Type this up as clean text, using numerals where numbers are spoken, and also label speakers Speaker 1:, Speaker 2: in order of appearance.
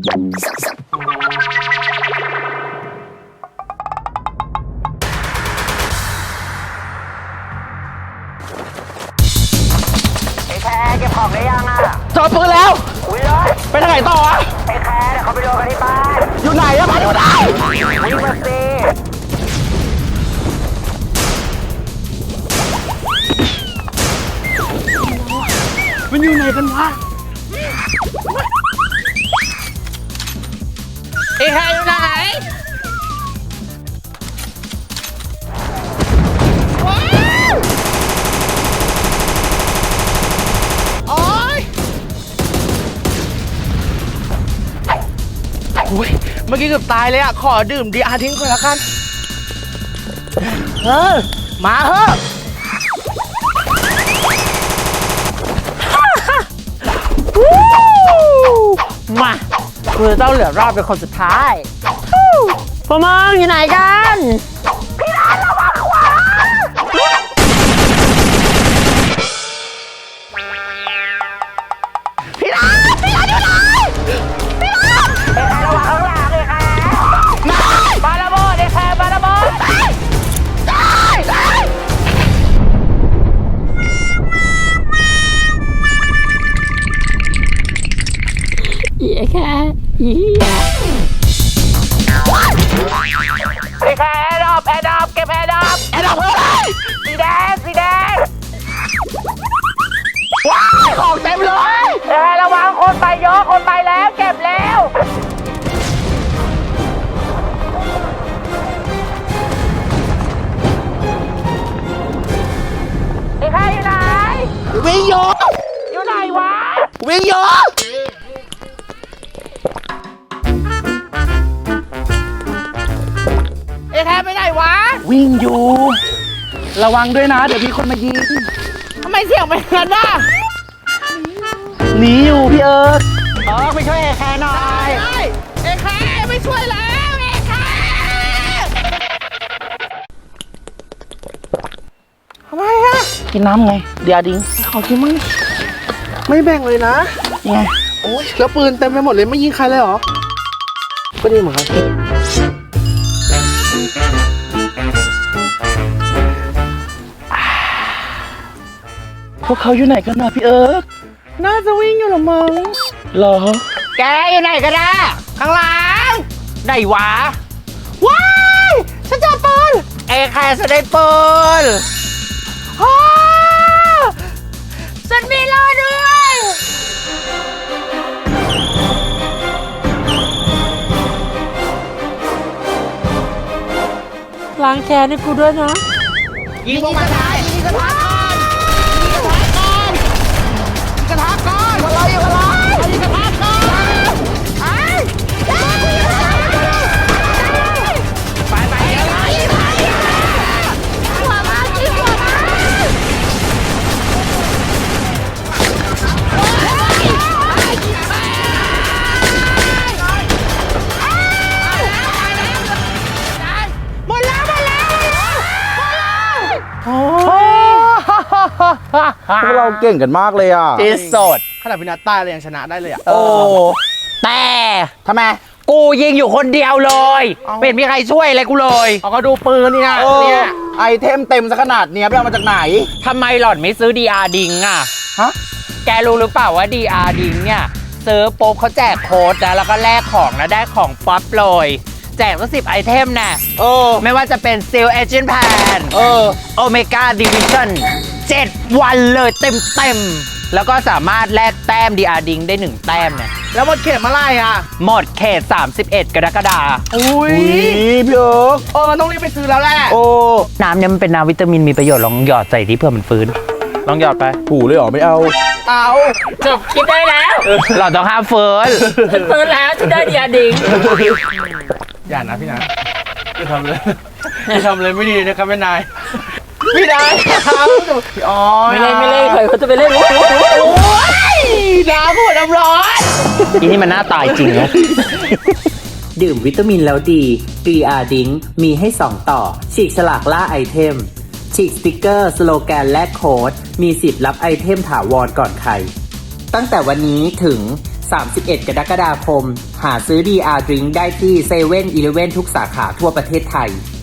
Speaker 1: ไอ้แคร์เก็บของได้ยังอ่ะ
Speaker 2: จอดปืนแล้ว
Speaker 1: อุ้ยเลย
Speaker 2: ไปทางไหนต่อวะ
Speaker 1: ไอ้แคร์เดี๋ยวเขาไปโดนกันที่บ้าน
Speaker 2: อยู่ไหนอะมาอยู่ไหน
Speaker 1: วิ่งมาสิ
Speaker 2: มันอยู่ไหนกันวะไอ้ใครอยู่ไหนว้าวโอ๊ยโอ้ยเมื่อกี้เกือบตายเลยอะขอดื่มดีอาทิ้งก่อนละกันมาเถอะมาคือต้องเหลือรอบเป็นคนสุดท้ายพวกมึงอยู่ไหนกันพี่ร้านระวังขวาพี่ร้านอยู่ไหนพี่ร้าน
Speaker 1: ไอ้แคร์ระวังข้างหลังไอ้แคร์ปาระเบิดไอ้แคร์ปาระเบิด
Speaker 2: ได้
Speaker 3: อีแค่อี
Speaker 1: ไอ้แคร์แอร์ดรอปเก็บแอร์ดรอป
Speaker 2: แอดดับเพื่ออะไร
Speaker 1: สีแดง
Speaker 2: ว้ายของเต็มเลย
Speaker 1: ไอ้แคร์ระวังคนไปเยอะคนไปแล้วเก็บแล้วไอ้แคร์อยู่ไหน
Speaker 2: วิ่งโย
Speaker 1: อยู่ไหนวะ
Speaker 2: วิ่งโยไอ้แค่ไปไหนวะวิ่งอยู่ระวังด้วยนะเดี๋ยวมีคนมายิงทำไมเสียงเป็นกันน่ะหนีอยู่พี่เอิร์ธ
Speaker 1: ไปช่วยไอ้แคร์หน่อย
Speaker 2: เอ้แค่ไม่ช่วยแล้วเอ้แค่ทำไมอะกินน้ำไงเดี๋ยวดิ้งขอกินมั่งไม่แบ่งเลยนะไงโอ้ยแล้วปืนเต็มไปหมดเลยไม่ยิงใครเลยเหรอก็ดีเหมือนกันพวกเขาอยู่ไหนกันนะพี่เอิร์ธน่าจะวิ่งอยู่หรอมั้งหรอ
Speaker 1: แกอยู่ไหนกันนะข้างหลังไหนวะ
Speaker 2: ว้ายฉันเจอปืน
Speaker 1: ไอ้แคร์จะได้ปืน
Speaker 2: ฮ่าฉันมีรอด้วย
Speaker 3: ล้างแค้นให้กูด้วยนะ
Speaker 1: ยิงพวกมันได้ยิงกระทะก่อนยิงกระทะก่อนยิงกระทะก่อนยิงกระทะก่อนไปเดี๋ยว
Speaker 3: หัวมาจิ้มหัวมา
Speaker 2: หมดแล้วโอ้
Speaker 4: พวกเราเก่งกันมากเลยอ่ะ
Speaker 2: ที่สดขนาดพินาต้าเลยยังชนะได้เลยอ่ะ
Speaker 4: โอ้
Speaker 1: แต่
Speaker 4: ทำไม
Speaker 1: กูยิงอยู่คนเดียวเลย
Speaker 2: เอ้า
Speaker 1: เป็นมีใครช่วยอะไรกูเลย
Speaker 2: เอาก็ดูปืนนี่นะ
Speaker 4: เออ
Speaker 2: เนี่ย
Speaker 4: ไอเทมเต็มซะขนาดเนี้ยไปเอามาจากไหน
Speaker 1: ทำไมหล่อนไม่ซื้อ DR ดิงอ่ะ
Speaker 4: ฮะ
Speaker 1: แกรู้หรือเปล่าว่า DR ดิงเนี่ยซื้อปุ๊บเขาแจกโค้ดนะแล้วก็แลกของแล้วได้ของป๊อปเลยแจกตั้ง10 ไอเทมน่ะ
Speaker 4: เออ
Speaker 1: ไม่ว่าจะเป็น Seal Agent Pan
Speaker 4: เออ
Speaker 1: Omega Division 7 วันเลยเต็มๆ แล้วก็สามารถแลกแต้ม DR ดิงได้ 1 แต้มเนี่ย
Speaker 2: แล้วหมดเขตเมื่อไหร่อ่ะ
Speaker 1: หมดเขต 31 กรกฎาคม
Speaker 2: อุ้ย
Speaker 4: พี่เอิร์ก
Speaker 2: มันต้องรีบไปซื้อแล้วแหละ
Speaker 4: โอ้
Speaker 1: น้ำเนี่ยมันเป็นน้ำวิตามินมีประโยชน์ลองหยอดใส่ที่เพื่อมันฟื้น ลองหยอดไป
Speaker 4: ถูเลยเหรอไม่เอา
Speaker 2: เอา
Speaker 1: จบคิดได้แล้ว เราต้องห้ามเฟิร์นเฟิร์นแล้วที่ได้ดีอาดิง
Speaker 2: อย่านะพี่นะอย่าทำเลยอย่าทำเลยไม่ดีนะครับแม่นายพี่นายครับพี่อ๋อ
Speaker 3: ไม่เล่นใครเขาจะไปเล่น
Speaker 2: โอ้ยน้ำหัวน้ำร้อน
Speaker 1: อีนี่มันหน้าตายจริงนะ
Speaker 5: ดื่มวิตามินแล้วดี 3R ดิ้งมีให้ 2 ต่อ ฉีกฉลากล่าไอเทม ฉีกสติกเกอร์ สโลแกนและโค้ด มีสิทธิ์รับไอเทมถาวรก่อนใคร ตั้งแต่วันนี้ถึง 31 กรกฎาคม หาซื้อ DR Drink ได้ที่7-Eleven ทุกสาขาทั่วประเทศไทย